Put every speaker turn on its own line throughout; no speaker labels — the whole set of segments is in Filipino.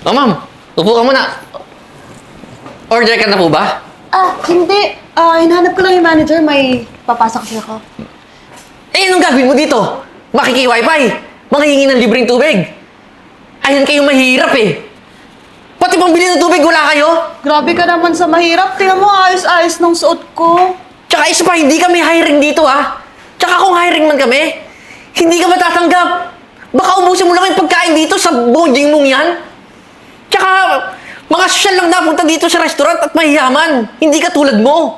Oh, ma'am. Upo ka muna. Order ka na po ba?
Hindi. Hinahanap ko lang yung manager. May papasok kasi ako.
Eh, anong gagawin mo dito? Makiki-wifi. Manghihingi ng libreng tubig. Ayan kayo mahirap eh. Pati pambili ng tubig, wala kayo?
Grabe ka naman sa mahirap. Tingnan mo, ayos-ayos ng suot ko.
Tsaka isa pa, hindi kami hiring dito ah. Tsaka kung hiring man kami, hindi ka matatanggap. Baka ubusin mo lang yung pagkain dito sa bonding mong yan. Tsaka, mga sosyal lang napunta dito sa restaurant at mahiyaman. Hindi ka tulad mo.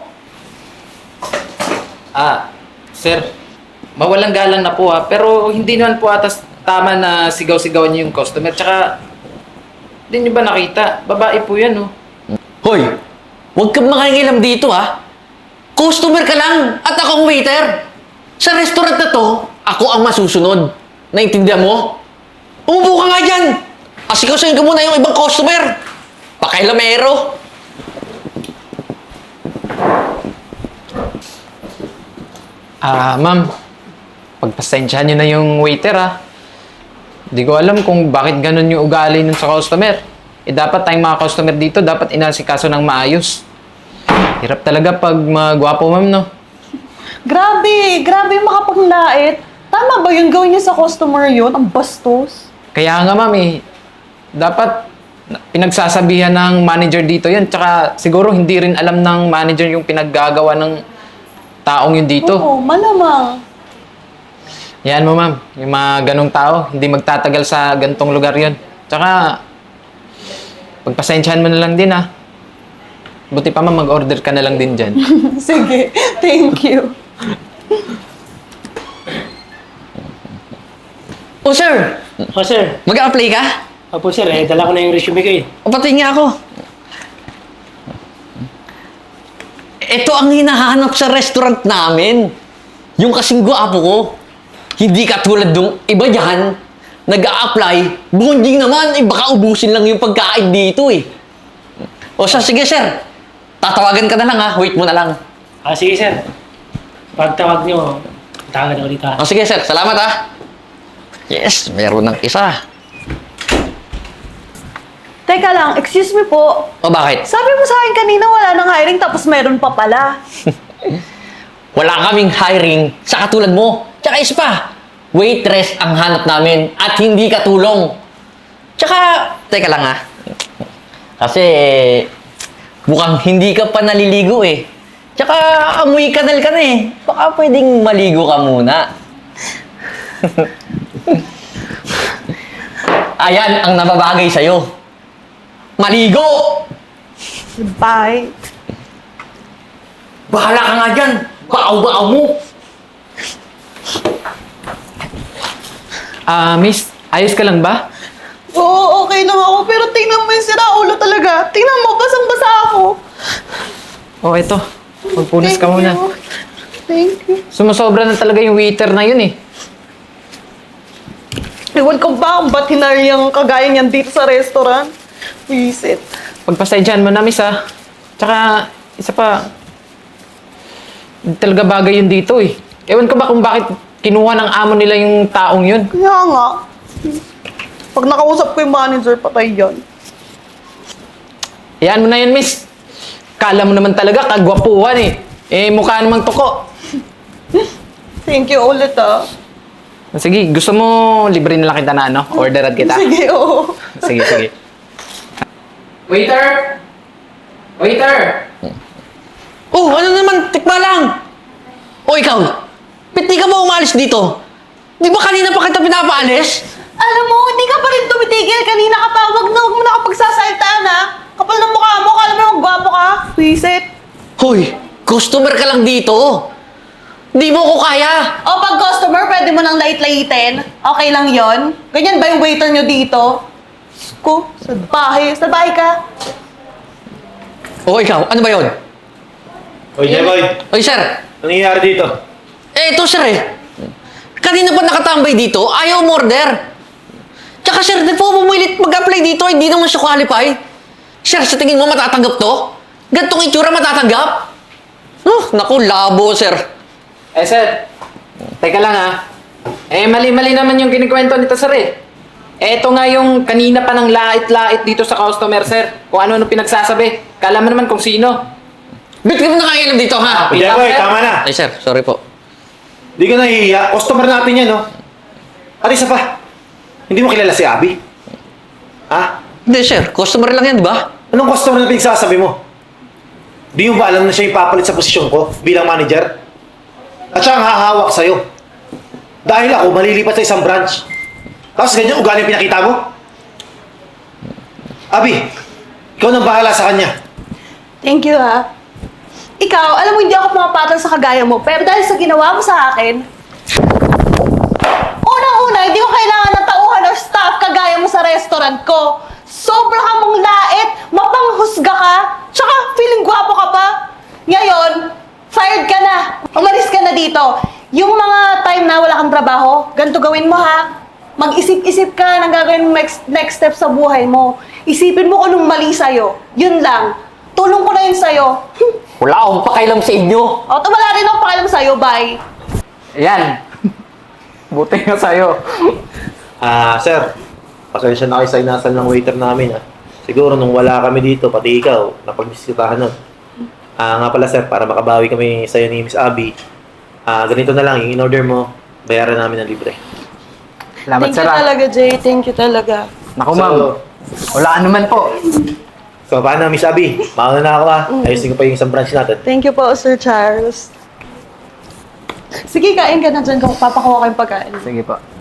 Sir, mawalang galang na po pero hindi naman po atas tama na sigaw-sigawan niyo yung customer. Tsaka, hindi niyo ba nakita? Babae po yan, oh.
Hoy, huwag kang makangilam dito ha. Customer ka lang at ako ang waiter. Sa restaurant na to, ako ang masusunod. Naintindihan mo? Umupo ka nga dyan. Asikasuhin ka muna yung ibang customer. Pakailamero.
Ma'am, pagpasensyahan niyo na yung waiter, Di ko alam kung bakit ganun yung ugali nun sa customer. Dapat tayong mga customer dito, dapat inasikaso ng maayos. Hirap talaga pag magwapo, ma'am, no?
Grabe makapanglait. Tama ba yung gawin niya sa customer yun? Ang bastos.
Kaya nga, ma'am, dapat pinagsasabihan ng manager dito yun. Tsaka siguro hindi rin alam ng manager yung pinaggagawa ng taong yun dito.
Oo, malamang.
Yan mo, ma'am. Yung mga ganong tao, hindi magtatagal sa gantong lugar yun. Tsaka, pagpasensyahan mo na lang din, Buti pa, ma'am, mag-order ka na lang din dyan.
Sige, thank you.
Oh, sir.
Oh, sir.
Mag-a-apply ka?
Opo, sir. Dala ko na yung resume ko eh.
O, pati nga ako. Ito ang hinahanap sa restaurant namin. Yung kasing gwapo ko. Hindi katulad nung iba dyan, nag-a-apply, bonding naman, baka ubusin lang yung pagkain dito eh. O siya, sige sir, tatawagan ka na lang wait mo na lang.
Sige, sir. Pagtawag nyo, tawagan ako dito
O sige sir, salamat Yes, meron ng isa.
Teka lang, excuse me po.
O bakit?
Sabi mo sa akin kanina wala nang hiring tapos meron pa pala.
Wala kaming hiring sa katulad mo. Tsaka isa pa, waitress ang hanap namin at hindi katulong. Tsaka, teka lang Kasi, mukhang hindi ka pa naliligo eh. Tsaka, amoy kanal ka na eh. Baka pwedeng maligo ka muna. Ayan ang nababagay sa'yo. Maligo!
Bye.
Bahala ka nga dyan. Baaw-baaw mo.
Miss, ayos ka lang ba?
Oo, okay lang ako. Pero tingnan mo yung siraulo talaga. Tingnan mo, basang-basa ako.
Ito. Magpunas ka muna.
Thank you.
Sumusobra na talaga yung waiter na yun eh.
Ewan ko ba kung ba't hinari yung kagaya niyan dito sa restaurant? Visit.
Pagpasensyahan mo na, miss Tsaka, isa pa, hindi talaga bagay yun dito eh. Ewan ko ba kung bakit kinuha ng amo nila yung taong yun.
Kaya nga. Pag nakausap ko yung manager, patay yan.
Hayaan mo na yun, miss. Kala mo naman talaga, kagwapuhan mukha namang tuko.
Thank you ulit
Sige, gusto mo libre na lang kita na orderan kita.
Sige, oo.
Sige. Waiter! Waiter!
Oh, ano naman? Tikba lang. O ikaw, ba't di ka ba umalis dito? Di ba kanina pa kita pinapaalis?
Alam mo, hindi ka pa rin tumitigil. Kanina ka pa. Wag mo na ako pagsasaltaan Kapal ng mukha mo. Kala mo magbapo ka. Visit.
Hoy, customer ka lang dito. Di mo ko kaya.
O pag customer, pwede mo nang lait-laitin. Okay lang yon. Ganyan ba yung waiter nyo dito? Sa bahay. Sa bahay ka.
O ikaw, ano ba yun?
Hoy, Jeboy.
Oy, sir.
Ano nangyayari dito?
Ito, sir Kanina pa nakatambay dito, ayaw umorder. Tsaka, sir, di po pumilit mag-apply dito, hindi naman siya qualify. Sir, sa tingin mo matatanggap to? Gantong itsura matatanggap? Naku, labo, sir.
Sir. Teka lang mali-mali naman yung kinikwento nito, sir Eto nga yung kanina pa ng lait-lait dito sa customer, sir. Kung ano-ano pinagsasabi. Kala mo naman kung sino.
Ba't ka mo nakailan dito, ha?
Wait lang,
Jeboy,
sir.
tama na.
Ay, sir, sorry po.
Di ka nahihiya. Customer natin yan, no? At isa pa, hindi mo kilala si Abby? Ha?
Hindi, sir. Customer lang yan, di ba?
Anong customer na pinagsasabi mo? Di mo ba alam na siya yung papalit sa posisyon ko bilang manager? At siya ang hahawak sa'yo. Dahil ako malilipat sa isang branch. Tapos ganyan ugali ang pinakita mo? Abby, ikaw nang bahala sa kanya.
Thank you, ha. Ikaw, alam mo, hindi ako pumapatol sa kagaya mo, pero dahil sa ginawa mo sa akin, unang-una, hindi ko kailangan ng tauhan or staff kagaya mo sa restaurant ko. Sobra ka mong lait, mapanghusga ka, tsaka feeling gwapo ka pa. Ngayon, fired ka na. Umalis ka na dito. Yung mga time na wala kang trabaho, ganito gawin mo, ha. Mag-isip-isip ka ng gagawin mo next step sa buhay mo. Isipin mo kung anong mali sa'yo. Yun lang. Tulong ko na yun sa'yo.
Wala akong pakailam sa inyo.
O, wala rin akong pakialam sa'yo. Bye.
Ayan. Buti nga sa'yo.
Sir, pasensya na kayo sa inasal ng waiter namin, ha. Siguro nung wala kami dito, pati ikaw, napag-bisitahan nun. Nga pala, sir, para makabawi kami sa'yo ni Miss Abby, ganito na lang, yung in-order mo, bayaran namin ng libre.
Salamat,
Thank
sir.
you
ah.
talaga, Jay. Thank you talaga.
Naku, ma'am. Wala naman po.
So, paano, Miss Abby? Mauna na ako, ha. Ayusin ko pa yung isang branch natin.
Thank you po, Sir Charles. Sige, kain ka na dyan. Papakuha ko yung pagkain.
Sige po.